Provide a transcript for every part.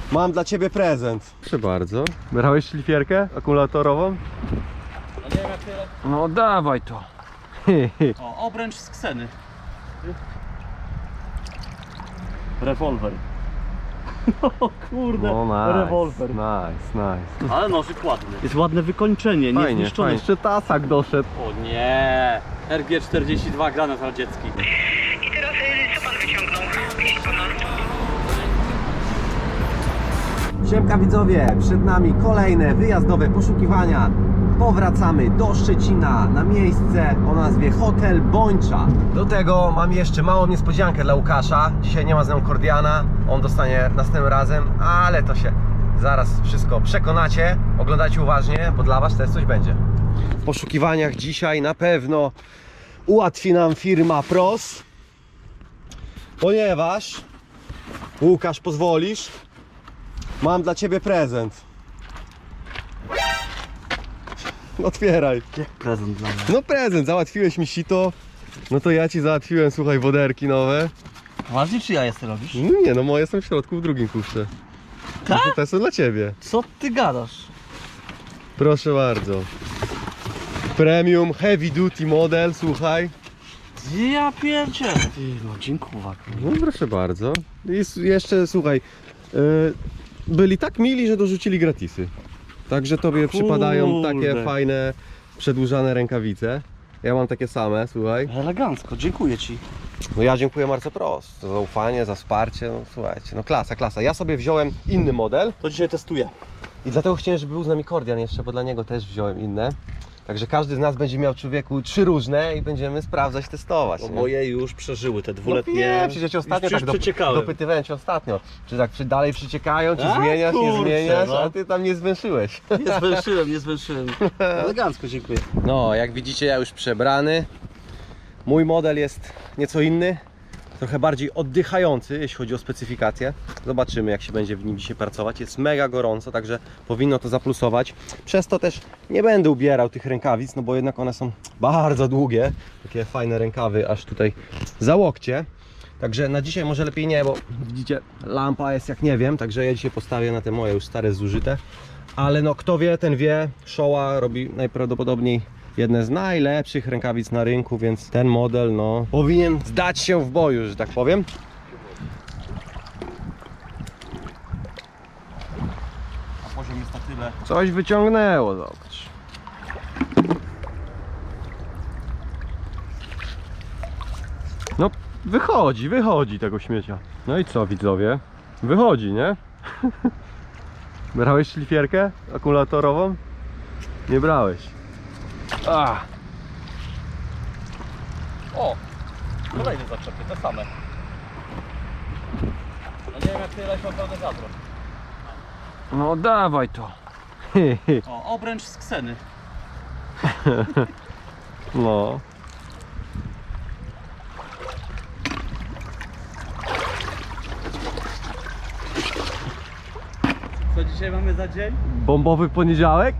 Mam dla ciebie prezent. Proszę bardzo. Brałeś szlifierkę akumulatorową? No nie wiem jak tyle. No dawaj to. O, obręcz z Kseny. Rewolwer. O kurde, No nice, rewolwer. nice. Ale nożyk ładny. Jest ładne wykończenie, nie Fajnie, zniszczone. fajnie. Jeszcze tasak doszedł. O nie, RG42 granat radziecki. I teraz co pan wyciągnął? Jeśli pana... Siemka widzowie, przed nami kolejne wyjazdowe poszukiwania. Powracamy do Szczecina na miejsce o nazwie Hotel Bończa. Do tego mam jeszcze małą niespodziankę dla Łukasza. Dzisiaj nie ma z nią Kordiana, on dostanie następnym razem, ale to się zaraz wszystko przekonacie. Oglądajcie uważnie, bo dla was też coś będzie. W poszukiwaniach dzisiaj na pewno ułatwi nam firma PROS, ponieważ Łukasz, pozwolisz? Mam dla ciebie prezent. Otwieraj. Jak prezent dla mnie. No prezent, załatwiłeś mi sito. No to ja ci załatwiłem, słuchaj, woderki nowe. Ważnie czy ja je robisz? No nie, no moje są w środku w drugim kuszce. Tak? No to te są dla ciebie. Co ty gadasz? Proszę bardzo. Premium Heavy Duty model, słuchaj. Ja pierdzielę. No dziękuję. No proszę bardzo. I jeszcze, słuchaj, byli tak mili, że dorzucili gratisy. Także tobie przypadają takie fajne, przedłużane rękawice. Ja mam takie same, słuchaj. Elegancko, dziękuję ci. No ja dziękuję Marce Pros za zaufanie, za wsparcie. No słuchajcie, no klasa, klasa. Ja sobie wziąłem inny model To dzisiaj testuję. i dlatego chciałem, żeby był z nami Kordian jeszcze, bo dla niego też wziąłem inne. Także każdy z nas będzie miał, człowieku, 3 różne i będziemy sprawdzać, testować. Bo nie? moje już przeżyły te No dwuletnie. nie, przecież ostatnio tak przeciekałem. dopytywałem cię ostatnio, czy tak dalej przyciekają, czy A, zmieniasz, nie kurczę, zmieniasz, no. a ty tam nie zwęszyłeś. Nie zwęszyłem. Elegancko, dziękuję. No, jak widzicie, ja już przebrany. Mój model jest nieco inny, trochę bardziej oddychający, jeśli chodzi o specyfikację. Zobaczymy, jak się będzie w nim dzisiaj pracować. Jest mega gorąco, także powinno to zaplusować. Przez to też nie będę ubierał tych rękawic, no bo jednak one są bardzo długie. Takie fajne rękawy, aż tutaj za łokcie. Także na dzisiaj może lepiej nie, bo widzicie, lampa jest jak nie wiem, także ja dzisiaj postawię na te moje już stare, zużyte. Ale no kto wie, ten wie, Showa robi najprawdopodobniej jedne z najlepszych rękawic na rynku, więc ten model no powinien zdać się w boju, że tak powiem. A poziom jest na tyle. Coś wyciągnęło, zobacz. No wychodzi tego śmiecia. No i co widzowie? Wychodzi, nie? Brałeś szlifierkę akumulatorową? Nie brałeś. O! Kolejne zaczepy, te same. No nie wiem jak tyle się pełne wiadro. No dawaj to. O, obręcz z Kseny. No. Co dzisiaj mamy za dzień? Bombowy poniedziałek?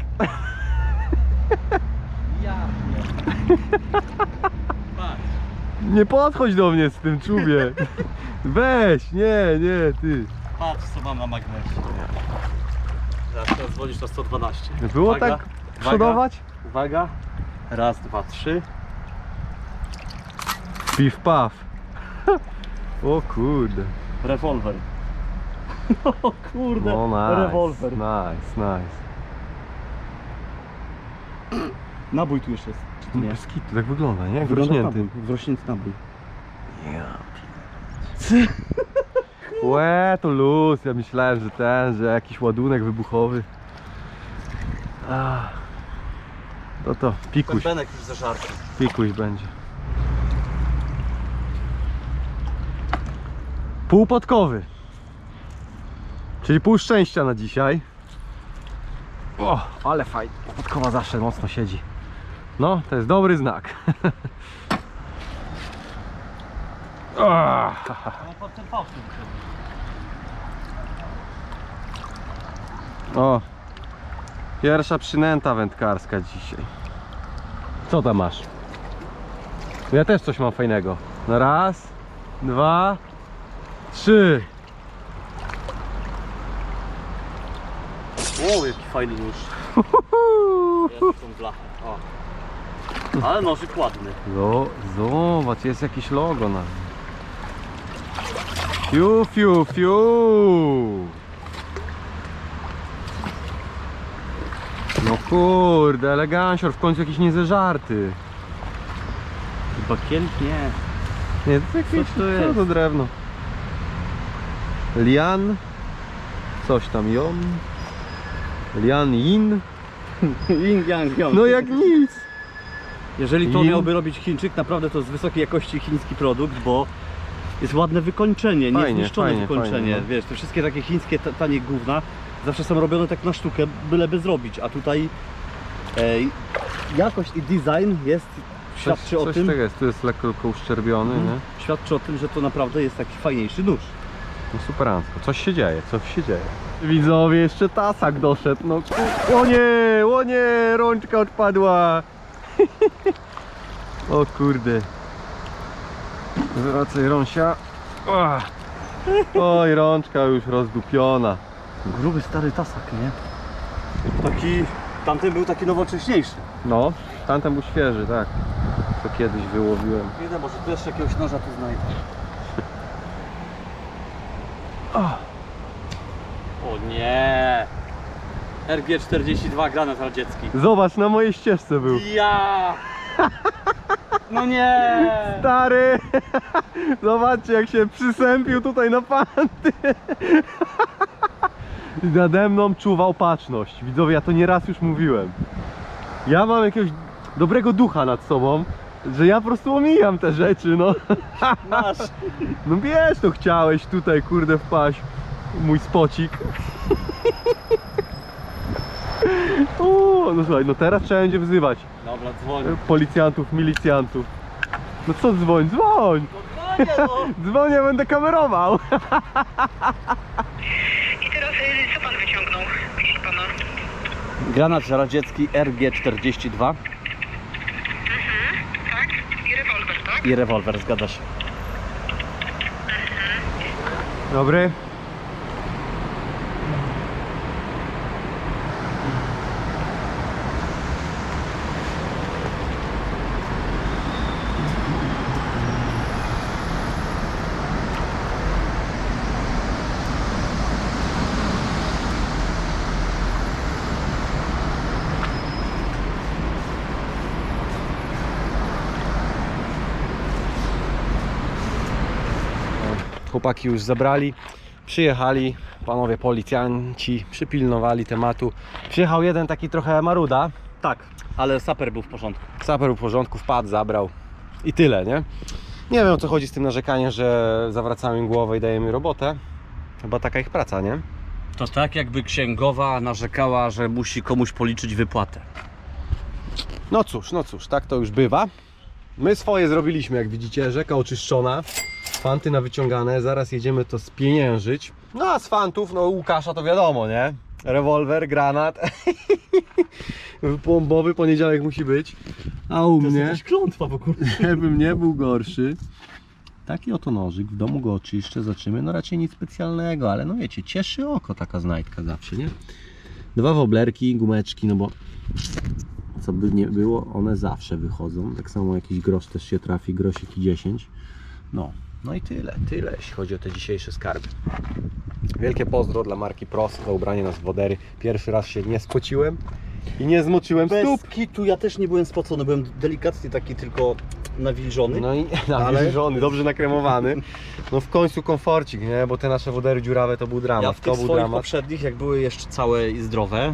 Ja nie. Patrz. Nie podchodź do mnie z tym czubie. Weź, nie, ty. Patrz co mam na magnesie. Zaraz dzwonisz na 112. Było Uwaga, tak przodować? Uwaga. Raz, dwa, trzy. Piw paw. O kurde. Rewolwer. O kurde, No nice, rewolwer. nice. Nabój tu jeszcze jest. Czy to nie? Bez kitu, tak wygląda, nie? Jak Wygląda wrośnięty. nabój, wrośnięty nabój. Łe, to luz. Ja myślałem, że jakiś ładunek wybuchowy. To pikuś, Benek już zażarty. pikuś będzie. Półpodkowy. Czyli pół szczęścia na dzisiaj. O, ale fajnie. Podkowa zawsze mocno siedzi. No, to jest dobry znak. No pod ten fałsz. O, pierwsza przynęta wędkarska dzisiaj. Co tam masz? Ja też coś mam fajnego. No raz, dwa, trzy. O, jaki fajny nóż. Jest tą blachę. O. Ale nożyk ładny. Zobacz, jest jakieś logo na nim. Fiu, fiu, fiu. No kurde, elegancior, w końcu jakiś niezeżarty. Bakiel? Nie. Nie, to jakieś, Co to jest? Co to drewno? Lian. Coś tam, Jon. Lian Yin. Yin yang yang. No jak nic. Jeżeli to Yin. miałby robić Chińczyk, naprawdę to jest wysokiej jakości chiński produkt, bo jest ładne wykończenie, Fajnie, niezniszczone fajnie, wykończenie. fajnie, no. Wiesz, te wszystkie takie chińskie tanie gówna zawsze są robione tak na sztukę, byleby zrobić, a tutaj jakość i design jest, świadczy o Coś tym, tego jest, tu jest lekko uszczerbiony, nie? świadczy o tym, że to naprawdę jest taki fajniejszy nóż. No superancko, coś się dzieje, coś się dzieje. Widzowie, jeszcze tasak doszedł, no o nie, rączka odpadła. O kurde. Zwracaj rąsia. Oj, rączka już rozdupiona. Gruby stary tasak, nie? Taki, tamten był taki nowocześniejszy. No, tamten był świeży, tak. Co kiedyś wyłowiłem. Idę, może tu jeszcze jakiegoś noża tu znajdę. O nie! RG42 granat radziecki. Zobacz, na mojej ścieżce był. Ja! No nie! Stary! Zobaczcie, jak się przysępił tutaj na panty. I nade mną czuwał baczność. Widzowie, ja to nieraz już mówiłem. Ja mam jakiegoś dobrego ducha nad sobą, że ja po prostu omijam te rzeczy, no. Masz! No wiesz, to chciałeś tutaj, kurde, wpaść. Mój spocik. O, no słuchaj, no teraz trzeba będzie wzywać Dobra, dzwonię. policjantów, milicjantów. No co dzwoń, dzwoń! No dzwonię, no! Dzwonię, będę kamerował. I teraz co pan wyciągnął, proszę pana? Granat radziecki RG42 Tak? I rewolwer, tak? i rewolwer, zgadza się. Dobry. Chłopaki już zabrali, przyjechali, panowie policjanci przypilnowali tematu. Przyjechał jeden taki trochę maruda, Tak, ale saper był w porządku. saper był w porządku, wpadł, zabrał i tyle, nie? Nie wiem, o co chodzi z tym narzekaniem, że zawracamy im głowę i dajemy robotę. Chyba taka ich praca, nie? To tak jakby księgowa narzekała, że musi komuś policzyć wypłatę. No cóż, tak to już bywa. My swoje zrobiliśmy, jak widzicie, rzeka oczyszczona, fanty nawyciągane, zaraz jedziemy to spieniężyć. No a z fantów, no Łukasza to wiadomo, nie? Rewolwer, granat, bombowy poniedziałek musi być, a u mnie, klątwa w ogóle. żebym nie był gorszy, taki oto nożyk, w domu go oczyszczę, zobaczymy, no raczej nic specjalnego, ale no wiecie, cieszy oko taka znajdka zawsze, nie? Dwa woblerki, gumeczki, no bo co by nie było, one zawsze wychodzą. Tak samo jakiś grosz też się trafi, grosik i 10. No i tyle, jeśli chodzi o te dzisiejsze skarby. Wielkie pozdro dla marki Pros za ubranie nas w wodery. Pierwszy raz się nie spociłem i nie zmoczyłem Bez stóp. kitu ja też nie byłem spocony, byłem delikatnie taki tylko nawilżony. No i Ale- żony, dobrze nakremowany. No w końcu komforcik, nie? Bo te nasze wodery dziurawe to był dramat. Ja w to tych był swoich dramat. poprzednich, jak były jeszcze całe i zdrowe,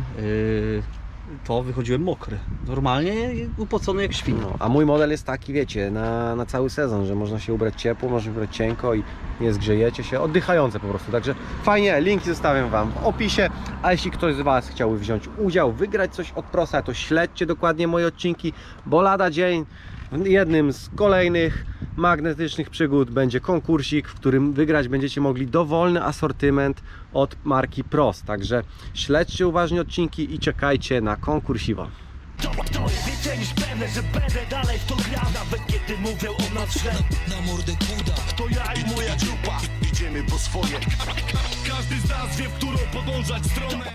to wychodziłem mokry. Normalnie upocony jak świn. No, a mój model jest taki, wiecie, na cały sezon, że można się ubrać ciepło, można się ubrać cienko i nie zgrzejecie się, oddychające po prostu. Także fajnie, linki zostawiam Wam w opisie, a jeśli ktoś z Was chciałby wziąć udział, wygrać coś od Prosa, to śledźcie dokładnie moje odcinki, bo lada dzień w jednym z kolejnych magnetycznych przygód będzie konkursik, w którym wygrać będziecie mogli dowolny asortyment od marki Pros. Także śledźcie uważnie odcinki i czekajcie na konkursiwo. To jest więcej niż pewne, że będę dalej w to grał, nawet kiedy mówią o nas źle. Na mordę kuda. To ja i moja grupa. Idziemy po swoje. Każdy z nas wie, w którą podążać stronę.